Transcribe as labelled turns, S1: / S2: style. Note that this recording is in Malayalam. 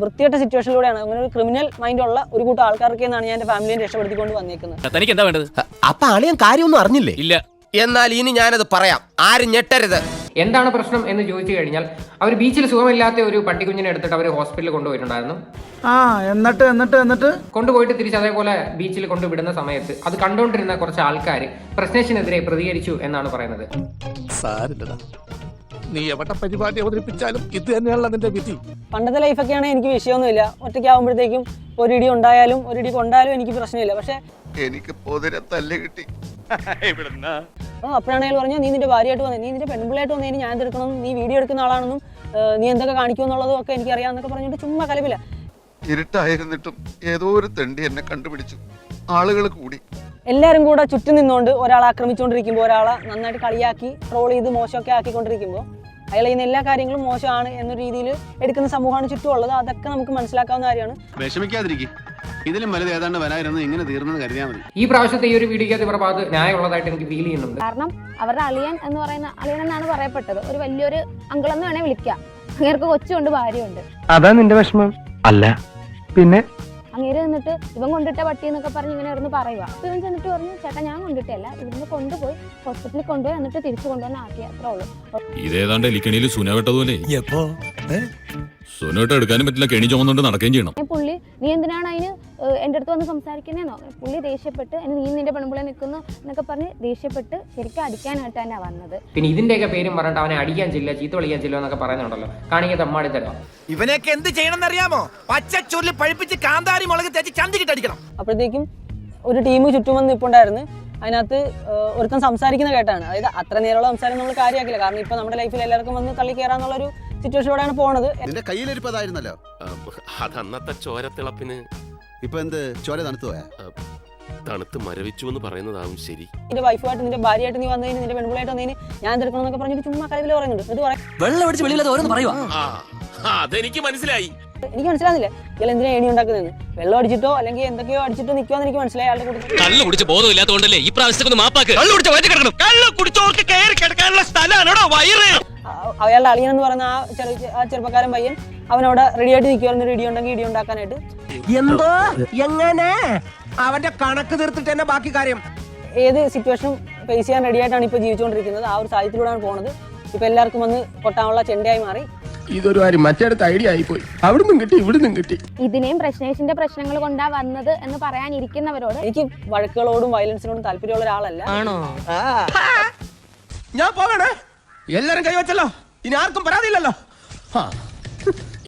S1: വൃത്തികെട്ട സിറ്റുവേഷനിലൂടെയാണ്, അങ്ങനെ ഒരു ക്രിമിനൽ മൈൻഡ് ഉള്ള ഒരു കൂട്ടം ആൾക്കാർക്ക് എന്നാണ് ഞാൻ എൻ്റെ ഫാമിലിയെ രക്ഷപ്പെടുത്തിക്കൊണ്ട് വന്നേക്കുന്നത്.
S2: തനിക്ക് എന്താ വേണ്ടത്?
S3: അപ്പൊ അളിയൻ കാര്യമൊന്നും അറിഞ്ഞില്ലേ?
S2: ഇല്ല.
S3: എന്നാൽ ഇനി ഞാനത് പറയാം, ആരും ഞെട്ടരുത്.
S4: എന്താണ് പ്രശ്നം എന്ന് ചോദിച്ചു കഴിഞ്ഞാൽ അവർ ബീച്ചിൽ സുഖമില്ലാത്ത ഒരു പട്ടിക്കുഞ്ഞിനെ എടുത്തിട്ട് അവർ ഹോസ്പിറ്റലിൽ കൊണ്ടുപോയിട്ടുണ്ടായിരുന്നു.
S5: എന്നിട്ട്
S4: കൊണ്ടുപോയിട്ട് തിരിച്ച് അതേപോലെ ബീച്ചിൽ കൊണ്ടുവിടുന്ന സമയത്ത് അത് കണ്ടുകൊണ്ടിരുന്ന കുറച്ച് ആൾക്കാർ പ്രശ്നേഷിനെതിരെ പ്രതികരിച്ചു എന്നാണ് പറയുന്നത്.
S6: നീ എവിടെ പരിപാടി അവതരിപ്പിച്ചാലും ഇത് തന്നെയാണല്ലോ നിന്റെ വിധി.
S1: പണ്ടത്തെ ലൈഫൊക്കെയാണ് എനിക്ക് വിഷയമൊന്നുമില്ല. ഒറ്റയ്ക്കാവുമ്പോഴത്തേക്കും ഒരു ഇടി ഉണ്ടായാലും ഒരു ഇടി കൊണ്ടാലും എനിക്ക് പ്രശ്നമില്ല. പക്ഷെ
S6: എനിക്ക് പൊതിരെ തല്ല് കിട്ടി.
S1: അപ്പോഴാണ് അയാൾ പറഞ്ഞു, നീ നിന്റെ ഭാര്യയായിട്ട് വന്നേ, നീ നിന്റെ പെൺപിള്ളയായിട്ട് വന്നതിന് ഞാൻ എടുക്കണം, നീ വീഡിയോ എടുക്കുന്ന ആളാണെന്നും നീ എന്തൊക്കെ കാണിക്കുമെന്നുള്ളതും ഒക്കെ എനിക്കറിയാമെന്നൊക്കെ പറഞ്ഞിട്ട് ചുമ്മാ കലപില്ല.
S6: ഇരുട്ടായിരുന്നിട്ടും ഏതോ ഒരു തെണ്ടി എന്നെ കണ്ടുപിടിച്ചു. ആളുകൾ കൂടി
S1: എല്ലാവരും കൂടെ ചുറ്റും നിന്നുകൊണ്ട് ഒരാളെ ആക്രമിച്ചുകൊണ്ടിരിക്കുമ്പോൾ, ഒരാളെ നന്നായിട്ട് കളിയാക്കി ട്രോൾ ചെയ്ത് മോശമൊക്കെ ആക്കിക്കൊണ്ടിരിക്കുമ്പോൾ അയാൾ ചെയ്യുന്ന എല്ലാ കാര്യങ്ങളും മോശമാണ് എന്ന രീതിയിൽ എടുക്കുന്ന സമൂഹമാണ് ചുറ്റുമുള്ളത്. അതൊക്കെ നമുക്ക് മനസ്സിലാക്കാവുന്ന കാര്യമാണ്.
S7: വിഷമിക്കാതിരിക്കും, ഇതിലും വലുത് ഏതാണ്ട് വരായിരുന്നു, ഇങ്ങനെ തീർന്നെന്ന് കരുതിയാൽ മതി.
S4: ഈ പ്രാവശ്യത്തെ ഈ ഒരു വീഡിയോയ്ക്കകത്ത് പ്രഭാത് ന്യായമുള്ളതായിട്ട് എനിക്ക് ഫീൽ ചെയ്യുന്നുണ്ട്.
S8: കാരണം അവരുടെ അളിയൻ എന്ന് പറയുന്ന അളിയൻ എന്നാണ് പറയപ്പെട്ടത്, ഒരു വലിയൊരു അങ്കിളെന്ന് വേണേ വിളിക്കാം. അങ്ങേർക്ക് കൊച്ചുണ്ട്, ഭാര്യയുണ്ട്.
S5: അതാ നിന്റെ വിഷമം? അല്ല പിന്നെ
S8: അങ്ങേര് നിന്നിട്ട് ഇവൻ കൊണ്ടിട്ട പട്ടി എന്നൊക്കെ പറഞ്ഞ് ഇങ്ങനെ ഇരുന്ന് പറയുക. അപ്പൊ ഇവൻ ചെന്നിട്ട് പറഞ്ഞു, ചേട്ടാ ഞാൻ കൊണ്ടിട്ടല്ല, ഇവിടുന്ന് കൊണ്ടുപോയി ഹോസ്പിറ്റലിൽ കൊണ്ടുപോയി എന്നിട്ട് തിരിച്ചു കൊണ്ടുവന്ന് ആക്കി, അത്രേ ഉള്ളൂ.
S9: ഇതേതാണ്ട് എലിക്കണിയിൽ സുനവെട്ടതുപോലെ സുനവെട്ട എടുക്കാനും പറ്റില്ല, കെണി ചുമന്നുകൊണ്ട് നടക്കുകയും ചെയ്യണം.
S8: പുള്ളി നീ എന്തിനാണ് അതിന് എൻ്റെ അടുത്ത് വന്ന് സംസാരിക്കുന്നേന്നോ, പുള്ളി ദേഷ്യപ്പെട്ട് നീ നിന്റെ പെൺപിള്ളെ നിൽക്കുന്നു എന്നൊക്കെ പറഞ്ഞ് ദേഷ്യപ്പെട്ട് ശരിക്കും അടിക്കാനായിട്ട് തന്നെ വന്നത്.
S4: പിന്നെ ഇതിന്റെയൊക്കെ പേരും പറഞ്ഞിട്ട് അവനെ അടിക്കാൻ ചെല്ലുക, ചീത്ത വിളിക്കാൻ ചെല്ലുക എന്നൊക്കെ പറയുന്നുണ്ടല്ലോ. കാണിക്കുക തമ്മാടി തരാം.
S3: ഇവനെയൊക്കെ എന്ത് ചെയ്യണം അറിയാമോ? പച്ചച്ചോറിൽ പഴിപ്പിച്ച് കാന്താരി മുളക് തേച്ച് ചന്തിക്കിട്ടടിക്കണം.
S1: അപ്പോഴത്തേക്കും ഒരു ടീം ചുറ്റും വന്ന് നിൽപ്പുണ്ടായിരുന്നു. അതിനകത്ത് ഒരുത്തൻ സംസാരിക്കുന്ന കേട്ടാണ്. അതായത് അത്ര നേരമുള്ള സംസാരം നമ്മൾ കാര്യമാക്കില്ല. കാരണം ഇപ്പൊ നമ്മുടെ ലൈഫിൽ എല്ലാവർക്കും വന്ന് തള്ളി കയറാന്നുള്ളൊരു സിറ്റുവേഷനിലൂടെയാണ് പോണത്.
S7: നിന്റെ കയ്യിലിരിപ്പതായിരുന്നല്ലോ.
S10: അത് അന്നത്തെ ചോരത്തിളപ്പിന്.
S7: ഇപ്പൊ എന്ത് ചോര തണുത്തു പോയാ?
S10: തണുത്ത് മരവിച്ചു എന്ന് പറയുന്നതാവും ശരി.
S1: നിന്റെ വൈഫായിട്ട് നിന്റെ ഭാര്യയായിട്ട് നീ വന്നതിന്, നിന്റെ പെൺപിള്ളയായിട്ട് വന്നതിന് ഞാൻ എടുക്കണം എന്നൊക്കെ പറഞ്ഞിട്ട് ചുമ്മാ കലവിൽ പറയുന്നുണ്ട്. ഇത്
S2: വെള്ളം അടിച്ച് വെളിയില്ലാതെ ഓരോന്ന് പറയുവാ.
S10: അതെനിക്ക് മനസ്സിലായി.
S1: എനിക്ക് മനസ്സിലാകുന്നില്ല ഇയാൾ എന്തിനാ ഏണി ഉണ്ടാക്കുന്നതെന്ന്. വെള്ളം അടിച്ചിട്ടോ അല്ലെങ്കിൽ എന്തൊക്കെയോ അടിച്ചിട്ടോ നിൽക്കുമെന്ന് എനിക്ക് മനസ്സിലായി. അയാളുടെ കൂടെ
S2: കള്ളു കുടിച്ച് ബോധമില്ലാത്തതുകൊണ്ടല്ലേ ഈ പ്രാവശ്യത്തെ മാപ്പാക്ക്.
S1: അയാളുടെ അളിയൻ എന്ന് പറയുന്ന ആ ചെറുപ്പക്കാരൻ പയ്യൻ അവനവിടെ റെഡി ആയിട്ട് നിൽക്കുമായിരുന്നു, ഇടി ഉണ്ടെങ്കിൽ ഇടി ഉണ്ടാക്കാനായിട്ട്.
S3: എന്തോ എങ്ങനെ അവന്റെ കണക്ക് തീർത്തിട്ട് തന്നെ ബാക്കി കാര്യം.
S1: ഏത് സിറ്റുവേഷനും ഫേസ് ചെയ്യാൻ റെഡി ആയിട്ടാണ് ഇപ്പോൾ ജീവിച്ചുകൊണ്ടിരിക്കുന്നത്. ആ ഒരു സാഹചര്യത്തിലൂടെയാണ് പോകുന്നത്. ഇപ്പൊ എല്ലാവർക്കും വന്ന് കൊട്ടാനുള്ള ചെണ്ടയായി മാറി.
S6: ഇതൊരു കാര്യം മറ്റേടത്ത് ഐഡിയ ആയിപ്പോയി. അവിടുന്നും കിട്ടി ഇവിടുന്നും കിട്ടി.
S8: ഇതിനെയും പ്രശ്നേഷിന്റെ പ്രശ്നങ്ങൾ കൊണ്ടാ വന്നത് എന്ന് പറയാനിരിക്കുന്നവരോട്
S1: എനിക്ക് വഴക്കുകളോടും വയലൻസിനോടും താല്പര്യമുള്ള ഒരാളല്ല.
S2: ആണോ?
S3: ഞാൻ പോകണേ. എല്ലാരും കൈവച്ചല്ലോ, ഇനി ആർക്കും പരാതിയില്ലല്ലോ.